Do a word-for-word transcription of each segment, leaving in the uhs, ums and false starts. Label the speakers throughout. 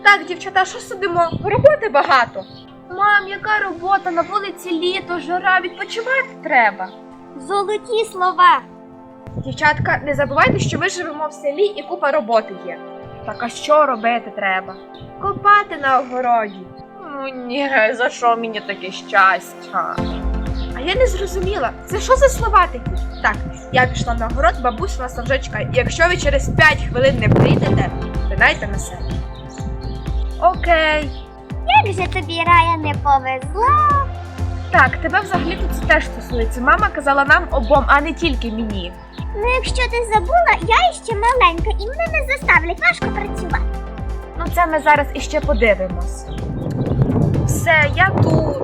Speaker 1: Так, дівчата, що сидимо? Роботи багато. Мам, яка робота? На вулиці літо, жара, відпочивати треба.
Speaker 2: Золоті слова.
Speaker 1: Дівчатка, не забувайте, що ми живемо в селі і купа роботи є. Так а що робити треба? Копати на огороді. Ну ні, за що мені таке щастя? А я не зрозуміла, це що за слова такі? Так, я пішла на огород, бабуся нас вже чекає. І якщо ви через п'ять хвилин не прийдете, пинайте на себе. Окей.
Speaker 2: Як же тобі, Рая, не повезло?
Speaker 1: Так, тебе взагалі тут це теж стосується. Мама казала нам обом, а не тільки мені.
Speaker 2: Ну, якщо ти забула, я іще маленька і мене не заставлять важко працювати.
Speaker 1: Ну це ми зараз іще подивимось. Все, я тут.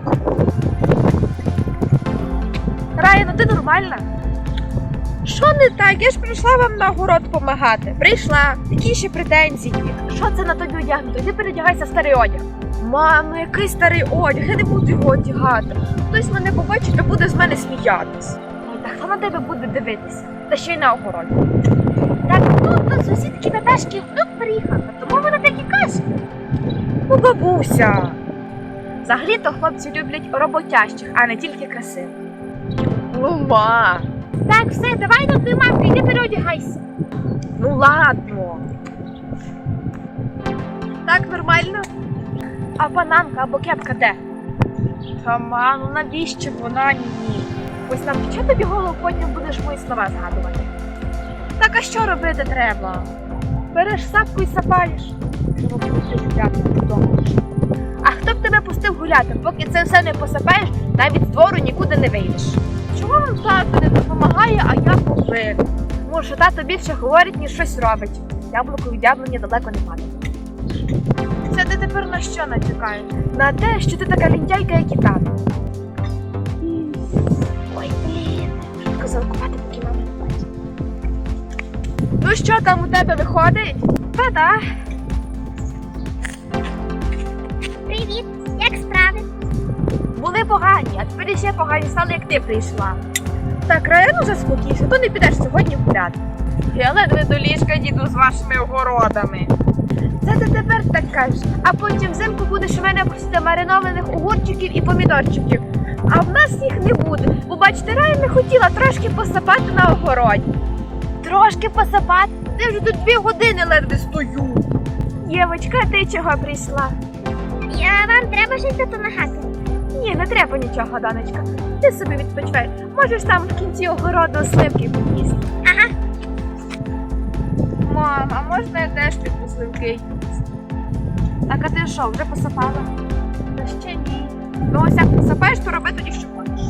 Speaker 1: Рая, ну ти нормальна? Що не так? Я ж прийшла вам на огород допомагати. Прийшла. Які ще претензії? Що це на тобі одягнуто? Іди передягайся в старий одяг. Мамо, який старий одяг? Я не буду його одягати. Хтось мене побачить, то буде з мене сміятись. Ой, та хто на тебе буде дивитися? Та ще й на огороді.
Speaker 2: Так тут до сусідки Наташки внук приїхав, тому вона так і каже.
Speaker 1: Ну, бабуся. Взагалі-то хлопці люблять роботящих, а не тільки красивих. Ну, ма.
Speaker 2: Так, все, давай до твою мамку, іди переодягайся.
Speaker 1: Ну, ладно. Так, нормально? А панамка або кепка де? Та, ма, ну навіщо вона ні? Ось нам що тобі голову потім будеш мої слова згадувати? Так, а що робити треба? Береш сапку і сапаєш. Щоб пустити гуляти додому. А хто б тебе пустив гуляти? Поки це все не посапаєш, навіть з двору нікуди не вийдеш. Чому вам тато не допомагає, а я повинен? Тому що тато більше говорить, ніж щось робить. Яблуко від яблуні далеко не падає. Це ти тепер на що натякаєш? На те, що ти така лінтяйка, як і тато. Ой, блін, швидко залкувати, поки мама не бачить. Ну що там у тебе виходить? Та-да.
Speaker 2: Привіт, як справи?
Speaker 1: Були погані, а тепер ще погані стали, як ти прийшла. Так, Рая, ну заспокійся, то не підеш сьогодні гуляти. Я ледве до ліжка діду з вашими огородами. Це ти тепер так кажеш, а потім взимку будеш у мене просити маринованих огурчиків і помідорчиків. А в нас їх не буде, бо бачите, Рая не хотіла трошки посапати на огороді. Трошки посапати? Ти вже тут дві години ледве стою. Євочка, ти чого прийшла?
Speaker 2: Я, вам треба щось допомагати.
Speaker 1: Ні, не треба нічого, донечка. Ти собі відпочивай. Можеш там в кінці огороду сливки поїсти.
Speaker 2: Ага.
Speaker 1: Мама, а можна я теж піду сливки їсти? Так, а ти що, вже посапала? Та ще ні. Ну ось як посапаєш, то роби тоді, що хочеш.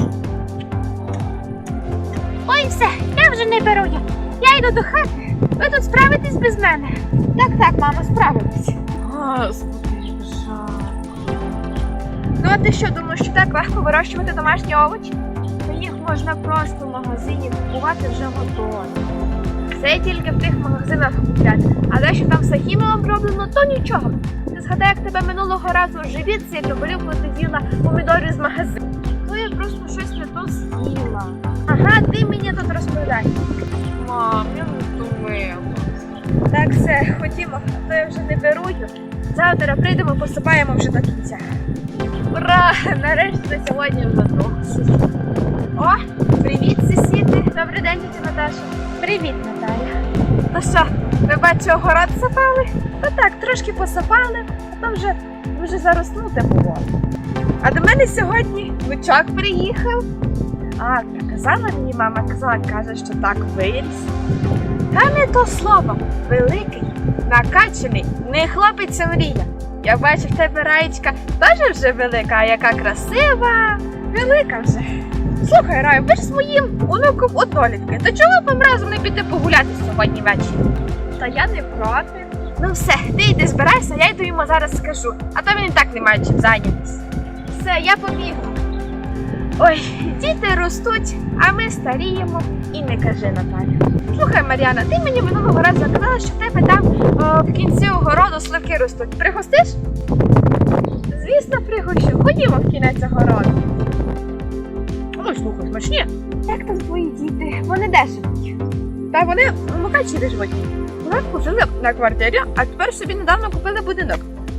Speaker 2: Ой, все, я вже не беру я. Я йду до хати. Ви тут справитесь без мене.
Speaker 1: Так, так, мама, справилась. Господи, жаль. Ну а ти що, думаєш, що так легко вирощувати домашні овочі? Та їх можна просто в магазині купувати вже готові. Це тільки в тих магазинах купляти. А те, що там все хімією оброблено, то нічого. Ти згадай, як тебе минулого разу живіт сильно болів, коли ти з'їла помідори з магазину. То я просто щось не то з'їла. Ага, ти мені тут розповідай. Мам, я не втомилась. Так, все, ходімо, а то я вже не беру їх. Завтра прийдемо, посипаємо вже до кінця. Ура! Нарешті на сьогодні вже досить. О, привіт, сусіди! Добрий день, тітя Наташа. Привіт, Наталя. Ну що, ви бачу, огород сапали? Та так, трошки посапали, а то вже, вже зароснуте було. А до мене сьогодні внучок приїхав. А, так казала мені мама, казала, каже, що так виріс. Та не то слово, великий, накачаний, не хлопець, а мрія. Я бачу, в тебе Раєчка теж вже велика, а яка красива, велика вже. Слухай, Раю, ви ж з моїм онуком однолітки, то чого б вам разом не піти погуляти сьогодні ввечері? Та я не проти. Ну все, ти йди збирайся, я йду йому зараз скажу, а то він і так не має чим зайнятися. Все, я побігла. Ой, діти ростуть, а ми старіємо. І не кажи, Наталя. Слухай, Мар'яна, ти мені минулого разу казала, що в тебе там о, в кінці огороду сливки ростуть. Пригостиш? Звісно, пригощу. Ходімо в кінець огороду. Ой, слухай, смачні. Як там твої діти? Вони де живуть? Та вони в Мукачеві живуть. Нас пожили на квартирі, а тепер собі недавно купили будинок.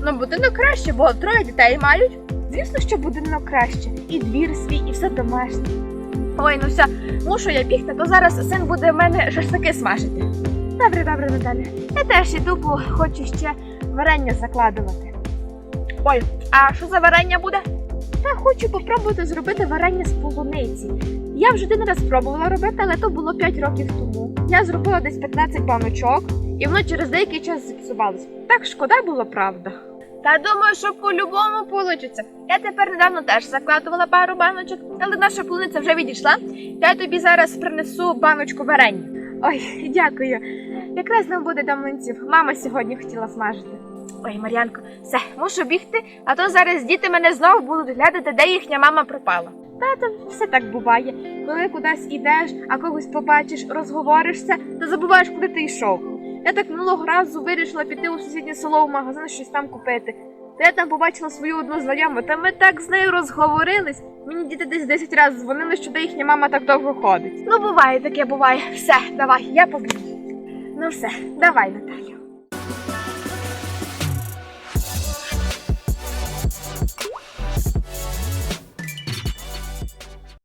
Speaker 1: Ну, будинок краще, бо троє дітей мають. Звісно, що будинок краще. І двір свій, і все домашнє. Ой, ну все, мушу я бігти, то зараз син буде в мене шашлики смажити. Добре, добре, Наталя. Я теж іду, бо хочу ще варення закладувати. Ой, а що за варення буде? Та хочу попробувати зробити варення з полуниці. Я вже один раз пробувала робити, але то було п'ять років тому. Я зробила десь п'ятнадцять баночок, і воно через деякий час зіпсувалося. Так шкода було, правда. Та думаю, що по-любому получиться. Я тепер недавно теж закладувала пару баночок, але наша полуниця вже відійшла. Я тобі зараз принесу баночку варення. Ой, дякую. Якраз нам буде до млинців. Мама сьогодні хотіла смажити. Ой, Мар'янко, все, мушу бігти, а то зараз діти мене знову будуть глядати, де їхня мама пропала. Та то все так буває. Коли кудись ідеш, а когось побачиш, розговоришся, то забуваєш, куди ти йшов. Я так минулого разу вирішила піти у сусіднє село в магазин щось там купити. Та я там побачила свою одну знайому, та ми так з нею розговорились. Мені діти десь десять разів дзвонили, що де їхня мама так довго ходить. Ну, буває, таке буває. Все, давай, я побігу. Ну все, давай, Наталю.